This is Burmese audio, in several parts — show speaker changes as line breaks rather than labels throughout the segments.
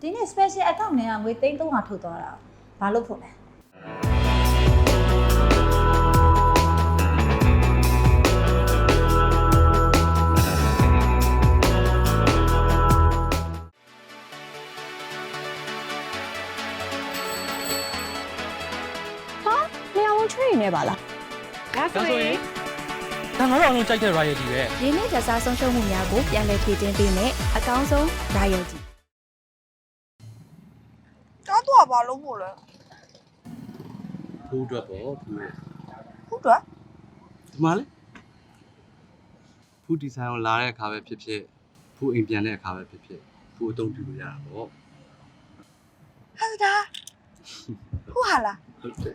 ဒီနေ့ special account နဲ့ကငွေ300ထုတ်သွားတာဘာလို့ဖို့လဲ
နေပါလားဒါဆိုရင်
ဒါငါတို့အောင်လုံးကြိုက်တဲ့ royalty ပဲ
ရင်းနှီးကြစားဆုံးရှုံးမှုများကိုပြန်လည်ဖြည့်တင်းပေးမယ်အကောင်းဆုံး royalty
တော့ဘာလို့မို့လဲ
ဘူးအတွက်ပေါ့ဘူးရဲ့
ဟုတ်တော့
ဒီမှာလေဘူးဒီဇိုင်းကိုလာတဲ့အခါပဲဖြစ်ဖြစ်ဘူးအိမ်ပြန်တဲ့အခါပဲဖြစ်ဖြစ်ဘူးအသုံးပြုလို့ရတာပေါ့
ဟာဒါဟုတ်ဟာလား
ဟုတ်တယ်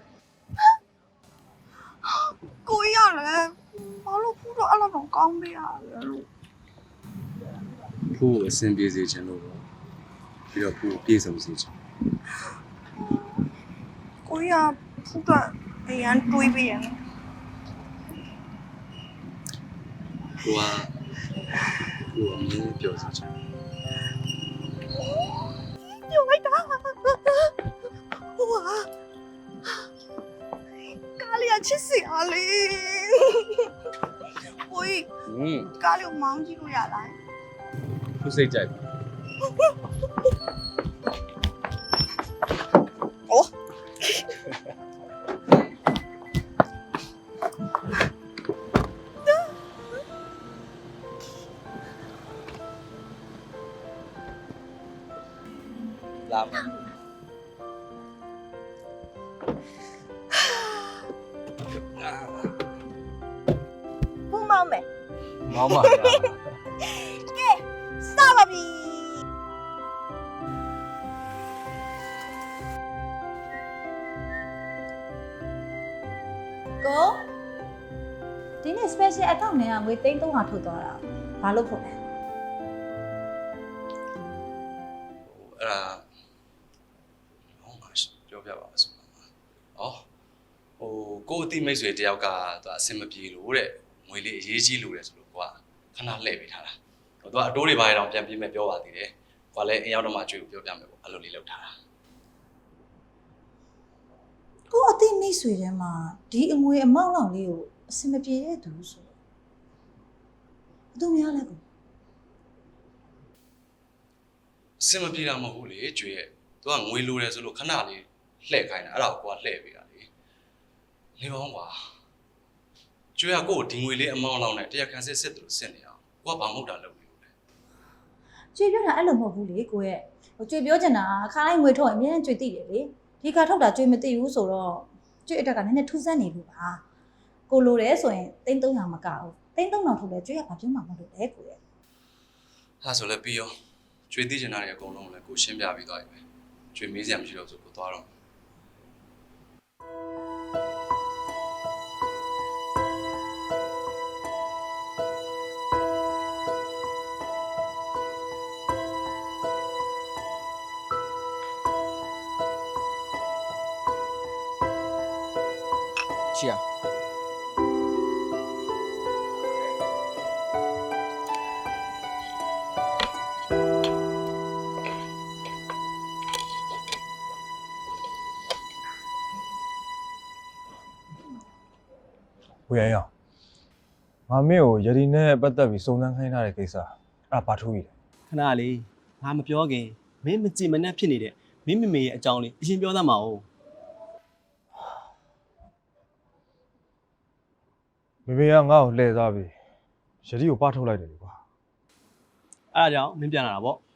ကိုရလဲဘာလို့ဖူးတော့အဲ့လိုတော့ကောင်းပေးရလဲလို့
ဘူးအဆင်ပြေစေချင်လို့ပေါ့ပြီးတော့ဘူးပြေဆုံးစေချင်
ကိုရဖူးတော့အရန်တွေးပေးရတယ်
ဘူးအမြင်ပြောစေချင်
ပြောလိုက်တာဟိုဟာကာလီယာချစ်စီအားလေဟိုကာလီကိုမောင်းကြည့်လို့ရလား
ဘူးစိတ်ကြိုက်
အိုး
လာပါ
ဘူးမောင်းမယ်
မောင်းပါ
ကဲစပါပြီ
ကိုဒီနေ့ special account နဲ့ကငွေ300ထုတ်သွားတာဘာလို့ဖို့လဲ
အဲ့ဒါဟောငါပြောပြပါဆိုတော့ကိုအတိမိတ်ဆွေတယောက်ကသူအဆင်မပြေလို့တဲ့ငွေလေးအရေးကြီးလို့တဲ့ဆိုလို့ကွာခဏလှည့်ပေးထားတာသူကအတိုးတွေဘာတွေတော့ပြန်ပြေးမယ်ပြောပါသေးတယ်ကွာလည်းအရောက်တော့မှအကျွေးကိုပြောပြမယ်ပေါ့အဲ့လိုလေးလုပ်ထားတာ
ကိုအသိမိတ်ဆွေထဲမှာဒီအငွေအမောက်လောက်လေးကိုအစင်မပြေတဲ့သူဆိုဘယ်သူများလဲကို
အဆင်မပြေတာမဟုတ်ဘူးလေကျွေးရဲ့သူကငွေလိုတယ်ဆိုလို့ခဏလေးလှည့်ခိုင်းတာအဲ့ဒါကိုကွာလှည့်ပေးတာလေနေပါဦးကွာကျွေးကကို့ဒီငွေလေးအမောက်လောက်နဲ့တရားခံစစ်တယ်လို့စစ်နေအောင်ကိုကဘာမှမဟုတ်တာလုပ်နေလို့လေ
ကျွေပြောတာအဲ့လိုမဟုတ်ဘူးလေကိုရဲ့ဟိုကျွေပြောချင်တာခါတိုင်းငွေထုတ်ရင်အမြဲတမ်းကျွေသိတယ်လေဒီခါထုတ်တာကျွေမသိဘူးဆိုတော့ကျွေအတက်ကနည်းနည်းထူးဆန်းနေလို့ပါကိုလိုတယ်ဆိုရင်300မကဘူး300ထုတ်လဲကျွေကဘာပြောမှမလုပ်လဲကိုရဲ့
ဟာဆိုလည်းပြီးရောကျွေးသိချင်တာတွေအကုန်လုံးလည်းကိုရှင်းပြပြီးသွားပြီပဲကျွေးမေးစရာမရှိတော့ဆိုကိုသွားတော့
ချီယာ
ဝေရအောင်ငါမင်းကိုယတိနဲ့ပတ်သက်ပြီးစုံစမ်းခိုင်းထားတဲ့ကိစ္စအဲ့ဘာထူးကြီးလဲ
ခဏလေးငါမပြောခင်မင်းမကြည်မနှက်ဖြစ်နေတဲ့မင်းမမေရဲ့အကြောင်းလေးအရင်ပြောသမှာ哦
မေမေကငါ့ကိုလှည့်သွားပြီးယတိကိုပထုတ်လိုက်တယ်ကွာ
အဲ့ဒါကြောင့်မင်းပြန်လာတာပေါ့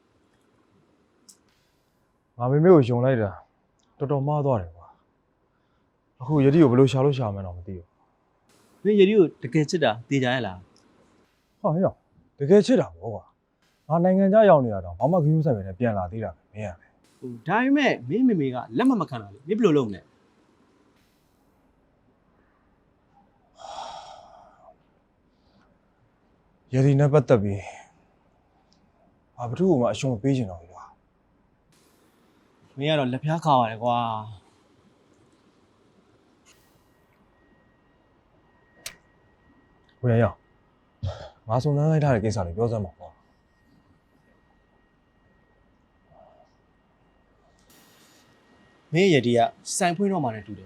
ငါမေမေကိုယုံလိုက်တာတော်တော်မှားသွားတယ်ကွာအခုယတိကိုဘယ်လိုရှာလို့ရှာမှန်းတော့မသိဘူး
မင်းယတိကိုတကယ်ချစ်တာသိကြရဲ့လား
ဟောဟဲ့တကယ်ချစ်တာပေါ့ကွာငါနိုင်ငံခြားရောက်နေရတော့ဘာမှခင်းဆိုင်ပဲနဲ့ပြန်လာသေးတာပဲမင်းရလေ
ဟိုဒါပေမဲ့မင်းမမေကလက်မခံတာလေမင်းဘယ်လိုလုပ်မလဲ
ယတိနဲ့ပတ်သက်ပြီးဘာဘသူ့ကိုမှအရှုံးမပေးချင်တော့ဘူးကွာ
မင်းကတော့လက်ဖျားခါရတယ်ကွာ
ဝေရအောင်ငါစုံစမ်းလိုက်ထားတဲ့ကိစ္စလေးပြောစမ်းပါကွာ
မင်းရဲ့ရည်ကစိုင်ဖွင့်တော့မှလည်းတူတယ်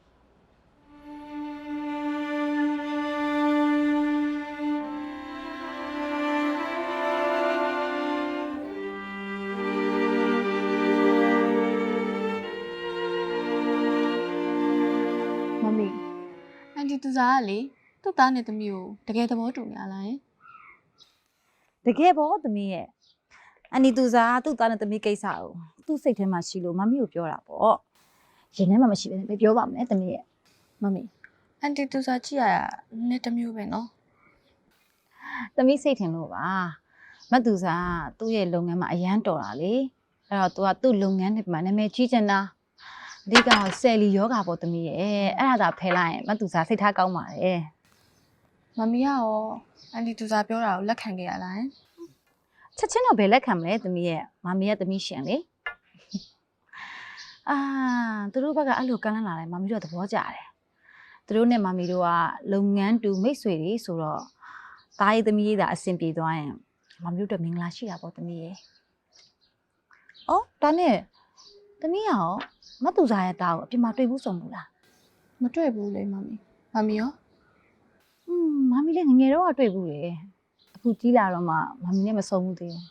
မမီအန်တီသူစားကလေသူ့သားနဲ့သမီးကိုတကယ်သဘောတူနေရလားယင်
တကယ်ပေါ့သမီးရဲ့အန်ဒီသူစားသူ့သားနဲ့သမီးကိစ္စကိုသူ့စိတ်ထဲမှာရှိလို့မမီကိုပြောတာပေါ့ရင်ထဲမှာမရှိဘဲနဲ့ပြောပါမယ်သမီးရဲ့
မမီအန်တီသူစားကြည့်ရတာနဲ့တစ်မျိုးပဲနော်
သမီးစိတ်ထင်လို့ပါမတ်သူစားသူ့ရဲ့လုပ်ငန်းမှာအရန်တော်တာလေအဲ့တော့ तू ကသူ့လုပ်ငန်းတွေမှာနာမည်ကြီးချင်တာအဓိကဆယ်လီယောဂါပေါ့သမီးရဲ့အဲ့ဒါသာဖယ်လိုက်ရင်မတ်သူစားစိတ်ထားကောင်းပါတယ်
မမီကရောအန်တီသူစားပြောတာကိုလက်ခံခဲ့ရလားယင်
ချက်ချင်းတော့ဘယ်လက်ခံမလဲသမီးရဲ့မမီးရဲ့သမီးရှင်လေအာသူတို့ဘက်ကအဲ့လိုကမ်းလှမ်းလာတယ်မမီးတို့ကသဘောကျတယ်သူတို့နဲ့မမီးတို့ကလုပ်ငန်းတူမိတ်ဆွေတွေဆိုတော့တားရေးသမီးရေးသာအဆင်ပြေသွားရင်မမီးတို့အတွက်မင်္ဂလာရှိတာပေါ့သမီးရဲ့အော်ဒါနဲ့သမီးရောမတ်သူစားရဲ့တားကိုအပြင်မှာတွေ့ဘူးဆုံးဘူးလား
မတွေ့ဘူးလေမမီမမီရော
မမီးလည်းငငယ်တော့တွေ့ဘူးလေအခုကြီးလာတော့မှမမီးနဲ့မဆုံးဘူးသေးဘူး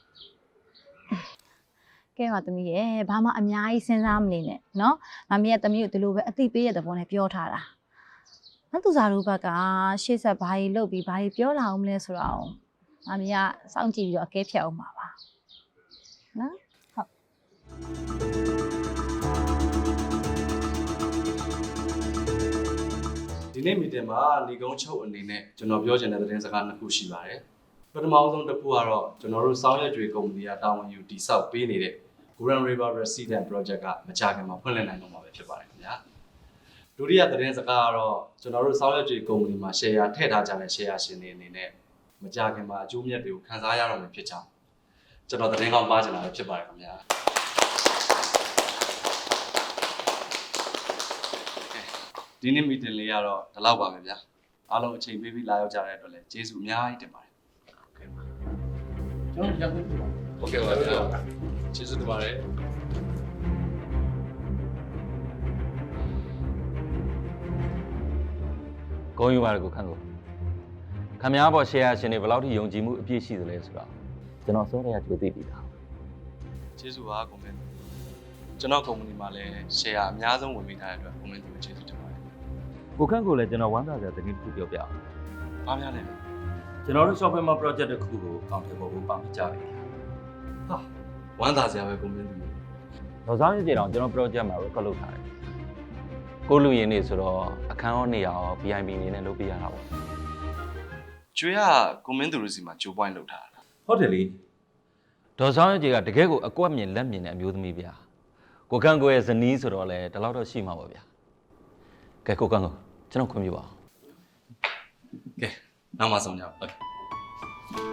ကဲပါသမီးရဲ့ဘာမှအများကြီးစဉ်းစားမနေနဲ့เนาะမမီးရဲ့သမီးကိုဒီလိုပဲအသိပေးရတဲ့ဘောနဲ့ပြောထားတာမတ်သူစားတို့ဘက်ကရှေ့ဆက်ဘာကြီးလုပ်ပြီးဘာကြီးပြောလာအောင်မလဲဆိုတော့မမီးကစောင့်ကြည့်ပြီးတော့အကဲဖြတ်အောင်ပါပါနော်ဟုတ်
ဒီနေ့မီတင်မှာလီကုန်းချုပ်အနေနဲ့ကျွန်တော်ပြောချင်တဲ့သတင်းစကားနှစ်ခုရှိပါတယ်ပထမဆုံးတစ်ခုကတော့ကျွန်တော်တို့စောင်းရွက်ကြွေကုမ္ပဏီကတာဝန်ယူတည်ဆောက်ပေးနေတဲ့ Grand River Resident Project ကမကြာခင်မှာဖွင့်လှစ်နိုင်တော့မှာပဲဖြစ်ပါတယ်ခင်ဗျာဒုတိယသတင်းစကားကတော့ကျွန်တော်တို့စောင်းရွက်ကြွေကုမ္ပဏီမှာ share ထည့်ထားကြတဲ့ share ရှင်တွေအနေနဲ့မကြာခင်မှာအကျိုးမြတ်တွေကိုခံစားရတော့မှာဖြစ်ကြောင်းကျွန်တော်သတင်းကောင်းပါချင်တာပဲဖြစ်ပါတယ်ခင်ဗျာဒီနေ့မီတင်လေးကတော့ဒီလောက်ပါပဲဗျာအားလုံးအချိန်ပေးပြီးလာရောက်ကြတဲ့အတွက်လည်းကျေးဇူးအများကြီးတင်ပါတယ်ဟုတ်ကဲ့ပါဟုတ်ကဲ့ပါဗျာကျေးဇူးတင်ပါတယ်
ဂုဏ်ယူပါတယ်ကိုခန့်ကိုခမများပေါ် share ရှင်တွေဘယ်လောက်ထိယုံကြည်မှုအပြည့်ရှိသလဲဆိုတော့ကျွန်တော်စောရရကြိုသိပြီလား
ကျေးဇူးပါကွန်မန့်ကျွန်တော်ကုမ္ပဏီမှာလည်း share အများဆုံးဝင်မိထားတဲ့အတွက်ကွန်မန့်ကိုကျေးဇူးတင်ပါတယ်
ကိုခန့်ကိုလည်းကျွန်တော်ဝမ်းသာစရာသတင်းတစ်ခုပြောပြအောင်
။ဘာများလဲ။
ကျွန်တော်တို့ software project တစ်ခုကိုအကောင့်ထဲပေါ်ဖို့ပါမကြပြီ
ဟာဝမ်းသာစရာပဲကွန်မန့်သူ
တော့ဆောင်ရည်ကြအောင်ကျွန်တော် project မှာ record လုပ်ထားတယ်ကိုလူရင်းနေဆိုတော့အခန်းရောနေရာရော VIP အနေနဲ့လုပ်ပြရတာပေါ့
ကျွေးကကွန်မန့်သူတို့စီမှာဂျိုးပွိုင်းလုပ်ထားတာ
ဟုတ်တယ်လေဒေါ်ဆောင်ရည်ကြီးကတကယ်ကိုအကွက်မြင်လက်မြင်တဲ့အမျိုးသမီးဗျာကိုခန့်ကိုရဲ့ဇနီးဆိုတော့လေဒီလောက်တော့ရှိမှာပါဗျာကဲကိုခန့်ကိုကျွန်တော်ခွင့်ပြုပါအောင်
။ကဲနောက်မှဆုံးကြပါဦး။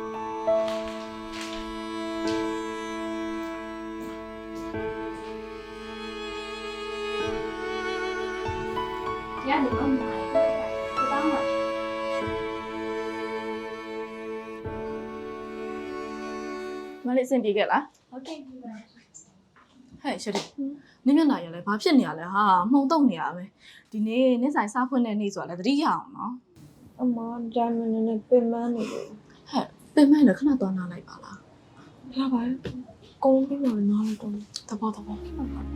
ရတယ်ကောင်းပါဒီပေါင်းပါ
မလေးအဆင်ပြေခဲ့လား
ဟုတ်ကဲ့ပြီပါ
ဟဲ့ရှရီနင်းမျက်နှာရလဲဘာဖြစ်နေရလဲဟာမှုံတုံနေရပဲဒီနေ့နေ့ဆိုင်စားဖွင့်တဲ့နေ့ဆိုတာလဲသတိရအောင်နော်
အမဂျာမန်နဲ့ပြင်မနေလို့
ဟဲ့ပြင်မဲ့လည်းခဏသွားနားလိုက်ပါလား
ရပါရဲ့ကုန်းပြီးတော့နားလိုက်တော့
သဘောသဘော
ဟဲ့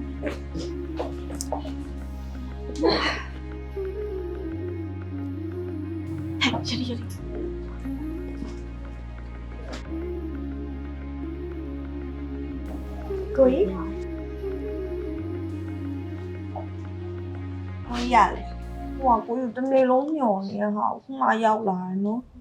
ရှရီကိုကြီးဟောရလေဟိုကကိုကြီးတနေ့လုံးညော်နေဟာခုမှရောက်လာတယ်နော်